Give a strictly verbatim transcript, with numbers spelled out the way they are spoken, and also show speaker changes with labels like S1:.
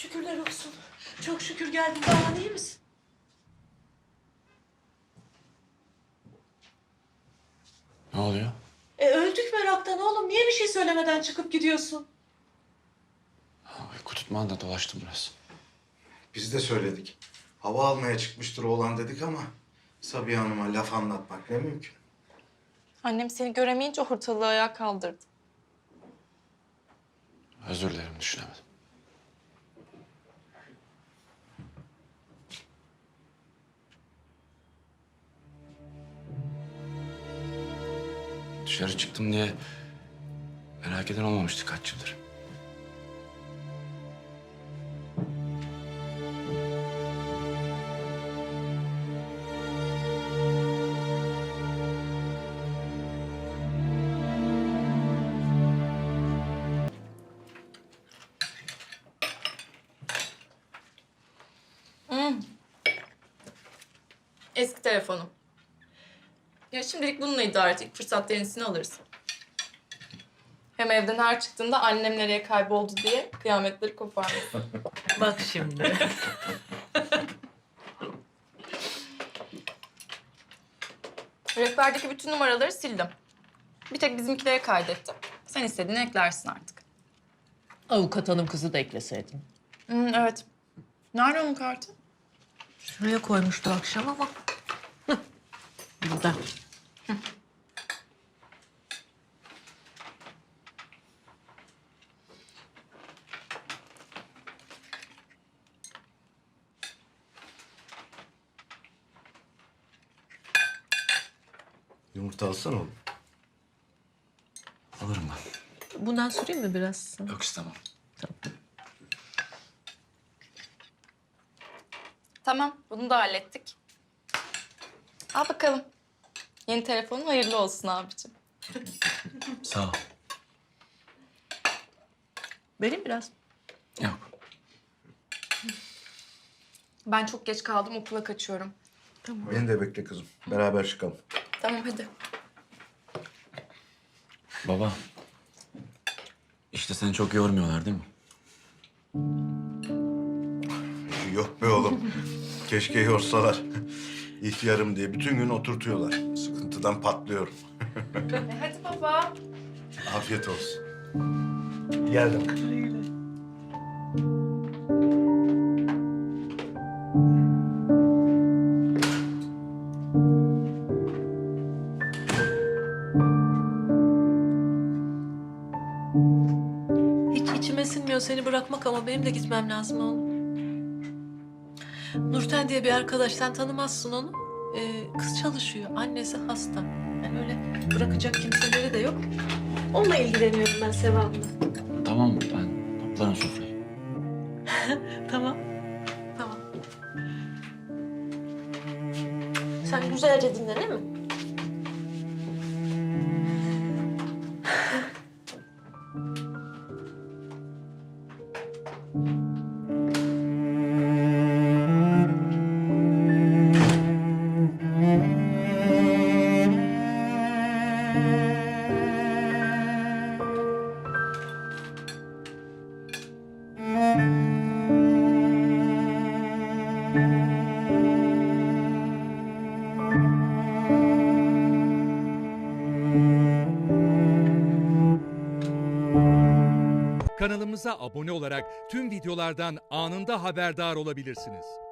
S1: Şükürler olsun. Çok şükür geldin. Daha iyi misin?
S2: Ne oluyor?
S1: E öldük meraktan oğlum. Niye bir şey söylemeden çıkıp gidiyorsun?
S2: Uyku tutmağında dolaştım biraz.
S3: Biz de söyledik. Hava almaya çıkmıştır oğlan dedik ama Sabiha Hanım'a laf anlatmak ne mümkün.
S4: Annem seni göremeyince ortalığı ayağa kaldırdı.
S2: Özür dilerim, düşünemedim. Dışarı çıktım diye merak eden olmamıştı kaç yıldır.
S4: Hmm. Eski telefonum. Ya şimdilik bununla idare et. İlk fırsatta yenisini alırız. Hem evden her çıktığında annem nereye kayboldu diye kıyametleri koparmasın.
S1: Bak şimdi.
S4: Rehberdeki bütün numaraları sildim. Bir tek bizimkilere kaydettim. Sen istediğini eklersin artık.
S1: Avukat hanım kızı da ekleseydin.
S4: Hmm, evet. Nerede onun kartı?
S1: Şuraya koymuştu akşam ama. Hıh. Burada.
S3: Yumurta alsana oğlum.
S2: Alırım ben.
S1: Bundan süreyim mi biraz?
S2: Yok, istemem.
S4: Tamam, bunu da hallettik. Al bakalım. Yeni telefonun hayırlı olsun abicim.
S2: Sağ ol.
S1: Vereyim biraz.
S2: Yok.
S4: Ben çok geç kaldım, okula kaçıyorum.
S3: Beni de bekle kızım. Beraber çıkalım.
S4: Tamam, hadi.
S2: Baba. İşte seni çok yormuyorlar değil mi?
S3: Yok be oğlum. Keşke yorsalar. İhtiyarım diye bütün gün oturtuyorlar. Sıkıntıdan patlıyorum.
S4: E, hadi baba.
S3: Afiyet olsun. Geldim.
S1: Hiç içime sinmiyor seni bırakmak ama benim de gitmem lazım oğlum. Nurten diye bir arkadaş, sen tanımazsın onu. Ee, kız çalışıyor, annesi hasta. Yani öyle bırakacak kimseleri de yok. Onunla ilgileniyorum ben Sevap'la.
S2: Tamam, ben toplarım sofrayı.
S1: Tamam, tamam. Sen güzelce dinle değil mi?
S5: Kanalımıza abone olarak tüm videolardan anında haberdar olabilirsiniz.